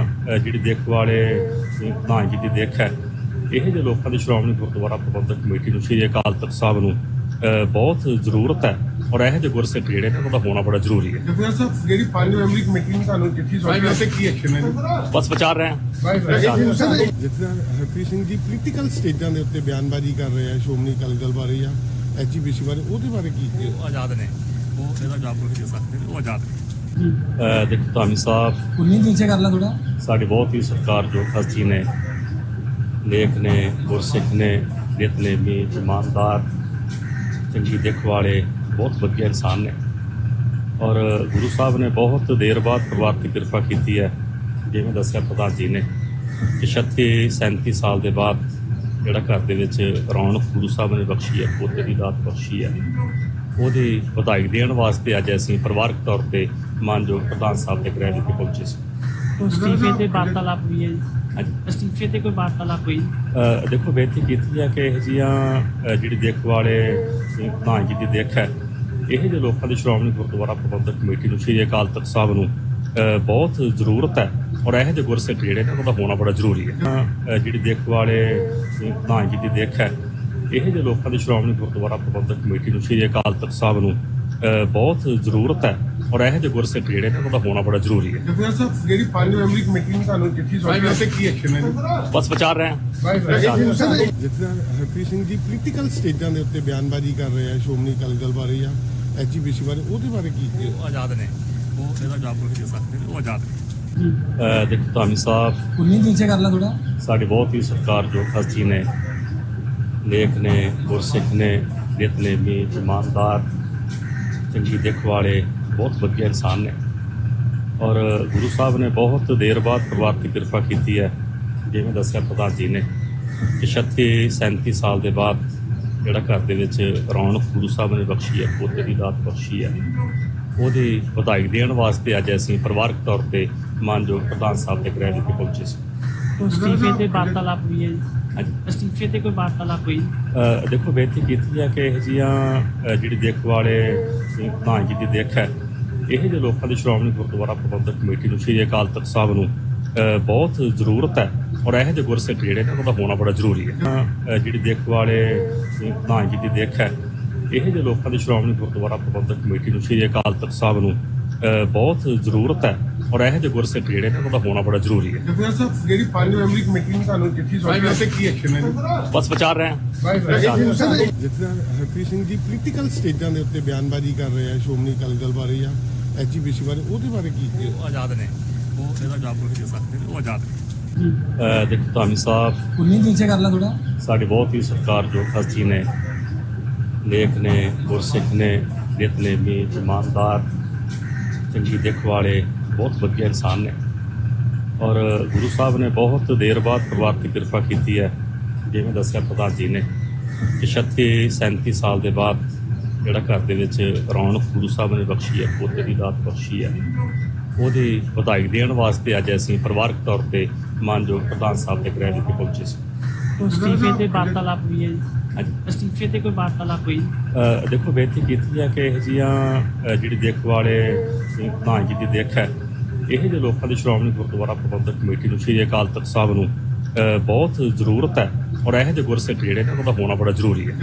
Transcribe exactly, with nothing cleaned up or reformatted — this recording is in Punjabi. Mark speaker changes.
Speaker 1: ਅ, ਜਿਹੜੀ ਦੇਖ ਵਾਲੇ ਪ੍ਰਧਾਨ ਜੀ ਦੀ ਦੇਖ ਹੈ, ਇਹ ਜਿਹੇ ਲੋਕਾਂ ਦੀ ਸ਼੍ਰੋਮਣੀ ਗੁਰਦੁਆਰਾ ਪ੍ਰਬੰਧਕ ਕਮੇਟੀ ਨੂੰ, ਸ਼੍ਰੀ ਅਕਾਲ ਤਖਤ ਸਾਹਿਬ ਨੂੰ ਅ, ਬਹੁਤ ਜ਼ਰੂਰਤ ਹੈ ਔਰ ਇਹੋ ਜਿਹੇ ਗੁਰਸਿੱਖ ਜਿਹੜੇ ਨੇ ਉਹਨਾਂ ਦਾ ਹੋਣਾ ਬੜਾ ਜ਼ਰੂਰੀ ਹੈ।
Speaker 2: ਜਥੇਦਾਰ ਸਾਹਿਬ, ਜਿਹੜੀ ਪੰਜ ਮੈਂਬਰੀ ਕਮੇਟੀ ਨੇ ਤੁਹਾਨੂੰ ਚਿੱਠੀ ਸੌਂਪੀ ਹੈ ਤੇ ਕੀ ਐਕਸ਼ਨ ਹੈ?
Speaker 1: ਬਸ ਵਿਚਾਰ ਰਹੇ ਹਾਂ।
Speaker 2: ਜਥੇਦਾਰ ਹਰਪ੍ਰੀਤ ਸਿੰਘ ਜੀ ਪੋਲੀਟੀਕਲ ਸਟੇਜਾਂ ਦੇ ਉੱਤੇ ਬਿਆਨਬਾਜ਼ੀ ਕਰ ਰਹੇ ਆ ਸ਼੍ਰੋਮਣੀ ਅਕਾਲੀ ਦਲ ਬਾਰੇ ਜਾਂ ਐਚਜੀਪੀਸੀ ਬਾਰੇ, ਉਹਦੇ ਬਾਰੇ ਕੀ ਕੀ
Speaker 1: ਉਹ ਆਜ਼ਾਦ ਨੇ, ਉਹ ਇਹਦਾ ਜਵਾਬ ਨਹੀਂ ਦੇ ਸਕਦੇ ਨੇ, ਉਹ ਆਜ਼ਾਦ ਨੇ। ਦੇਖੋ ਧਾਮੀ ਸਾਹਿਬ,
Speaker 3: ਉਨੀ ਨੀਚੇ ਕਰ ਲਾ ਥੋੜਾ।
Speaker 1: ਸਾਡੀ ਬਹੁਤ ਹੀ ਸਤਿਕਾਰਯੋਗ ਹਸਤੀ ਨੇ, ਲੇਖ ਨੇ, ਗੁਰਸਿੱਖ ਨੇ, ਨਿਤਨੇਮੀ, ਇਮਾਨਦਾਰ, ਚੰਗੀ ਦਿੱਖ ਵਾਲੇ, ਬਹੁਤ ਵਧੀਆ ਇਨਸਾਨ ਨੇ ਔਰ ਗੁਰੂ ਸਾਹਿਬ ਨੇ ਬਹੁਤ ਦੇਰ ਬਾਅਦ ਪਰਿਵਾਰ ਦੀ ਕਿਰਪਾ ਕੀਤੀ ਹੈ। ਜਿਵੇਂ ਦੱਸਿਆ ਪ੍ਰਧਾਨ ਜੀ ਨੇ ਕਿ ਛੱਤੀ ਸੈਂਤੀ ਸਾਲ ਦੇ ਬਾਅਦ ਜਿਹੜਾ ਘਰ ਦੇ ਵਿੱਚ ਰੌਣਕ ਗੁਰੂ ਸਾਹਿਬ ਨੇ ਬਖਸ਼ੀ ਹੈ, ਪੋਤੇ ਦੀ ਦਾਤ ਬਖਸ਼ੀ ਹੈ, ਉਹਦੀ ਵਧਾਈ ਦੇਣ ਵਾਸਤੇ ਅੱਜ ਅਸੀਂ ਪਰਿਵਾਰਕ ਤੌਰ ਤੇ ਮਾਨਯੋਗ ਪ੍ਰਧਾਨ ਸਾਹਿਬ ਦੇ ਗ੍ਰਹਿ ਵਿਖੇ ਪਹੁੰਚੇ ਸੀ।
Speaker 3: ਅਸਤੀਫੇ ਤੇ ਵਾਰਤਾਲਾਪ ਹੋਈ ਹੈ ਜੀ?
Speaker 1: ਹਾਂਜੀ,
Speaker 3: ਅਸਤੀਫੇ ਤੇ ਕੋਈ ਵਾਰਤਾਲਾਪ ਹੋਈ?
Speaker 1: ਅ, ਦੇਖੋ ਬੇਨਤੀ ਕੀਤੀ ਹੈ ਕਿ ਇਹ ਜਿਹੀਆਂ ਜਿਹੜੀ ਦੇਖ ਵਾਲੇ ਪ੍ਰਧਾਨ ਜੀ ਦੀ ਦੇਖ ਹੈ, ਇਹ ਜਿਹੇ ਲੋਕਾਂ ਦੀ ਸ਼੍ਰੋਮਣੀ ਗੁਰਦੁਆਰਾ ਪ੍ਰਬੰਧਕ ਕਮੇਟੀ ਨੂੰ, ਸ਼੍ਰੀ ਅਕਾਲ ਤਖਤ ਸਾਹਿਬ ਨੂੰ ਅ, ਬਹੁਤ ਜ਼ਰੂਰਤ ਹੈ ਔਰ ਇਹੋ ਜਿਹੇ ਗੁਰਸਿੱਖ ਜਿਹੜੇ ਨੇ ਉਹਨਾਂ ਦਾ ਹੋਣਾ ਬੜਾ ਜ਼ਰੂਰੀ ਹੈ। ਅ, ਜਿਹੜੀ ਦੇਖ ਵਾਲੇ ਪ੍ਰਧਾਨ ਜੀ ਦੀ ਦੇਖ ਹੈ, ਇਹ ਜਿਹੇ ਲੋਕਾਂ ਦੀ ਸ਼੍ਰੋਮਣੀ ਗੁਰਦੁਆਰਾ ਪ੍ਰਬੰਧਕ ਕਮੇਟੀ ਨੂੰ, ਸ਼੍ਰੀ ਅਕਾਲ ਤਖਤ ਸਾਹਿਬ ਨੂੰ ਅ, ਬਹੁਤ ਜ਼ਰੂਰਤ ਹੈ ਔਰ ਇਹੋ ਜਿਹੇ ਗੁਰਸਿੱਖ ਜਿਹੜੇ ਨੇ ਉਹਨਾਂ ਦਾ ਹੋਣਾ ਬੜਾ ਜ਼ਰੂਰੀ ਹੈ।
Speaker 2: ਜਥੇਦਾਰ ਸਾਹਿਬ, ਜਿਹੜੀ ਪੰਜ ਮੈਂਬਰੀ ਕਮੇਟੀ ਨੇ ਤੁਹਾਨੂੰ ਚਿੱਠੀ ਸੌਂਪੀ ਹੈ ਤੇ ਕੀ ਐਕਸ਼ਨ ਹੈ?
Speaker 1: ਬਸ ਵਿਚਾਰ ਰਹੇ ਹਾਂ।
Speaker 2: ਜਥੇਦਾਰ ਹਰਪ੍ਰੀਤ ਸਿੰਘ ਜੀ ਪੋਲੀਟੀਕਲ ਸਟੇਜਾਂ ਦੇ ਉੱਤੇ ਬਿਆਨਬਾਜ਼ੀ ਕਰ ਰਹੇ ਆ ਸ਼੍ਰੋਮਣੀ ਅਕਾਲੀ ਦਲ ਬਾਰੇ ਜਾਂ ਐਚਜੀਪੀਸੀ ਬਾਰੇ, ਉਹਦੇ ਬਾਰੇ ਕੀ ਕੀ
Speaker 1: ਉਹ ਆਜ਼ਾਦ ਨੇ, ਉਹ ਇਹਦਾ ਜਵਾਬ ਨਹੀਂ ਦੇ ਸਕਦੇ ਨੇ, ਉਹ ਆਜ਼ਾਦ ਨੇ। ਦੇਖੋ ਧਾਮੀ ਸਾਹਿਬ,
Speaker 3: ਉਨੀ ਨੀਚੇ ਕਰ ਲਾ ਥੋੜਾ।
Speaker 1: ਸਾਡੀ ਬਹੁਤ ਹੀ ਸਤਿਕਾਰਯੋਗ ਹਸਤੀ ਨੇ, ਲੇਖ ਨੇ, ਗੁਰਸਿੱਖ ਨੇ, ਨਿਤਨੇਮੀ, ਇਮਾਨਦਾਰ, ਚੰਗੀ ਦਿੱਖ ਵਾਲੇ, ਬਹੁਤ ਵਧੀਆ ਇਨਸਾਨ ਨੇ ਔਰ ਗੁਰੂ ਸਾਹਿਬ ਨੇ ਬਹੁਤ ਦੇਰ ਬਾਅਦ ਪਰਿਵਾਰ ਦੀ ਕਿਰਪਾ ਕੀਤੀ ਹੈ। ਜਿਵੇਂ ਦੱਸਿਆ ਪ੍ਰਧਾਨ ਜੀ ਨੇ ਕਿ ਛੱਤੀ ਸੈਂਤੀ ਸਾਲ ਦੇ ਬਾਅਦ ਜਿਹੜਾ ਘਰ ਦੇ ਵਿੱਚ ਰੌਣਕ ਗੁਰੂ ਸਾਹਿਬ ਨੇ ਬਖਸ਼ੀ ਹੈ, ਪੋਤੇ ਦੀ ਦਾਤ ਬਖਸ਼ੀ ਹੈ, ਉਹਦੀ ਵਧਾਈ ਦੇਣ ਵਾਸਤੇ ਅੱਜ ਅਸੀਂ ਪਰਿਵਾਰਕ ਤੌਰ ਤੇ ਮਾਨਯੋਗ ਪ੍ਰਧਾਨ ਸਾਹਿਬ ਦੇ ਗ੍ਰਹਿ ਵਿਖੇ ਪਹੁੰਚੇ ਸੀ।
Speaker 3: ਅਸਤੀਫੇ ਤੇ ਵਾਰਤਾਲਾਪ ਹੋਈ ਹੈ ਜੀ?
Speaker 1: ਹਾਂਜੀ,
Speaker 3: ਅਸਤੀਫੇ ਤੇ ਕੋਈ ਵਾਰਤਾਲਾਪ ਹੋਈ?
Speaker 1: ਅ, ਦੇਖੋ ਬੇਨਤੀ ਕੀਤੀ ਹੈ ਕਿ ਇਹ ਜਿਹੀਆਂ ਜਿਹੜੀ ਦੇਖ ਵਾਲੇ ਪ੍ਰਧਾਨ ਜੀ ਦੀ ਦੇਖ ਹੈ, ਇਹ ਜਿਹੇ ਲੋਕਾਂ ਦੀ ਸ਼੍ਰੋਮਣੀ ਗੁਰਦੁਆਰਾ ਪ੍ਰਬੰਧਕ ਕਮੇਟੀ ਨੂੰ, ਸ਼੍ਰੀ ਅਕਾਲ ਤਖਤ ਸਾਹਿਬ ਨੂੰ ਅ, ਬਹੁਤ ਜ਼ਰੂਰਤ ਹੈ ਔਰ ਇਹੋ ਜਿਹੇ ਗੁਰਸਿੱਖ ਜਿਹੜੇ ਨੇ ਉਹਨਾਂ ਦਾ ਹੋਣਾ ਬੜਾ ਜ਼ਰੂਰੀ ਹੈ। ਅ, ਜਿਹੜੀ ਦੇਖ ਵਾਲੇ ਪ੍ਰਧਾਨ ਜੀ ਦੀ ਦੇਖ ਹੈ, ਇਹ ਜਿਹੇ ਲੋਕਾਂ ਦੀ ਸ਼੍ਰੋਮਣੀ ਗੁਰਦੁਆਰਾ ਪ੍ਰਬੰਧਕ ਕਮੇਟੀ ਨੂੰ, ਸ਼੍ਰੀ ਅਕਾਲ ਤਖਤ ਸਾਹਿਬ ਨੂੰ ਅ, ਬਹੁਤ ਜ਼ਰੂਰਤ ਹੈ ਔਰ ਇਹੋ ਜਿਹੇ ਗੁਰਸਿੱਖ ਜਿਹੜੇ ਨੇ ਉਹਨਾਂ ਦਾ ਹੋਣਾ ਬੜਾ ਜ਼ਰੂਰੀ ਹੈ।
Speaker 2: ਜਥੇਦਾਰ ਸਾਹਿਬ, ਜਿਹੜੀ ਪੰਜ ਮੈਂਬਰੀ ਕਮੇਟੀ ਨੇ ਤੁਹਾਨੂੰ ਚਿੱਠੀ ਸੌਂਪੀ ਹੈ ਤੇ ਕੀ ਐਕਸ਼ਨ ਹੈ?
Speaker 1: ਬਸ ਵਿਚਾਰ ਰਹੇ ਹਾਂ।
Speaker 2: ਜਥੇਦਾਰ ਹਰਪ੍ਰੀਤ ਸਿੰਘ ਜੀ ਪੋਲੀਟੀਕਲ ਸਟੇਜਾਂ ਦੇ ਉੱਤੇ ਬਿਆਨਬਾਜ਼ੀ ਕਰ ਰਹੇ ਆ ਸ਼੍ਰੋਮਣੀ ਅਕਾਲੀ ਦਲ ਬਾਰੇ ਜਾਂ ਐਚਜੀਪੀਸੀ ਬਾਰੇ, ਉਹਦੇ ਬਾਰੇ ਕੀ ਕੀ
Speaker 1: ਉਹ ਆਜ਼ਾਦ ਨੇ, ਉਹ ਇਹਦਾ ਜਵਾਬ ਨਹੀਂ ਦੇ ਸਕਦੇ ਨੇ, ਉਹ ਆਜ਼ਾਦ ਨੇ। ਦੇਖੋ ਧਾਮੀ ਸਾਹਿਬ,
Speaker 3: ਉਨੀ ਨੀਚੇ ਕਰ ਲਾ ਥੋੜਾ।
Speaker 1: ਸਾਡੀ ਬਹੁਤ ਹੀ ਸਤਿਕਾਰਯੋਗ ਹਸਤੀ ਨੇ, ਲੇਖ ਨੇ, ਗੁਰਸਿੱਖ ਨੇ, ਨਿਤਨੇਮੀ, ਇਮਾਨਦਾਰ, ਚੰਗੀ ਦਿੱਖ ਵਾਲੇ, ਬਹੁਤ ਵਧੀਆ ਇਨਸਾਨ ਨੇ ਔਰ ਗੁਰੂ ਸਾਹਿਬ ਨੇ ਬਹੁਤ ਦੇਰ ਬਾਅਦ ਪਰਿਵਾਰ ਦੀ ਕਿਰਪਾ ਕੀਤੀ ਹੈ। ਜਿਵੇਂ ਦੱਸਿਆ ਪ੍ਰਧਾਨ ਜੀ ਨੇ ਕਿ ਛੱਤੀ ਸੈਂਤੀ ਸਾਲ ਦੇ ਬਾਅਦ ਜਿਹੜਾ ਘਰ ਦੇ ਵਿੱਚ ਰੌਣਕ ਗੁਰੂ ਸਾਹਿਬ ਨੇ ਬਖਸ਼ੀ ਹੈ, ਪੋਤੇ ਦੀ ਦਾਤ ਬਖਸ਼ੀ ਹੈ, ਉਹਦੀ ਵਧਾਈ ਦੇਣ ਵਾਸਤੇ ਅੱਜ ਅਸੀਂ ਪਰਿਵਾਰਕ ਤੌਰ ਤੇ ਮਾਨਯੋਗ ਪ੍ਰਧਾਨ ਸਾਹਿਬ ਦੇ ਗ੍ਰਹਿ ਵਿਖੇ ਪਹੁੰਚੇ ਸੀ।
Speaker 3: ਅਸਤੀਫੇ ਤੇ ਵਾਰਤਾਲਾਪ ਹੋਈ ਹੈ ਜੀ?
Speaker 1: ਹਾਂਜੀ,
Speaker 3: ਅਸਤੀਫੇ ਤੇ ਕੋਈ ਵਾਰਤਾਲਾਪ ਹੋਈ?
Speaker 1: ਅ, ਦੇਖੋ ਬੇਨਤੀ ਕੀਤੀ ਹੈ ਕਿ ਇਹ ਜਿਹੀਆਂ ਜਿਹੜੀ ਦੇਖ ਵਾਲੇ ਪ੍ਰਧਾਨ ਜੀ ਦੀ ਦੇਖ ਹੈ, ਇਹ ਜਿਹੇ ਲੋਕਾਂ ਦੀ ਸ਼੍ਰੋਮਣੀ ਗੁਰਦੁਆਰਾ ਪ੍ਰਬੰਧਕ ਕਮੇਟੀ ਨੂੰ, ਸ਼੍ਰੀ ਅਕਾਲ ਤਖਤ ਸਾਹਿਬ ਨੂੰ ਅ, ਬਹੁਤ ਜ਼ਰੂਰਤ ਹੈ ਔਰ ਇਹੋ ਜਿਹੇ ਗੁਰਸਿੱਖ ਜਿਹੜੇ ਨੇ ਉਹਨਾਂ ਦਾ ਹੋਣਾ ਬੜਾ ਜ਼ਰੂਰੀ ਹੈ।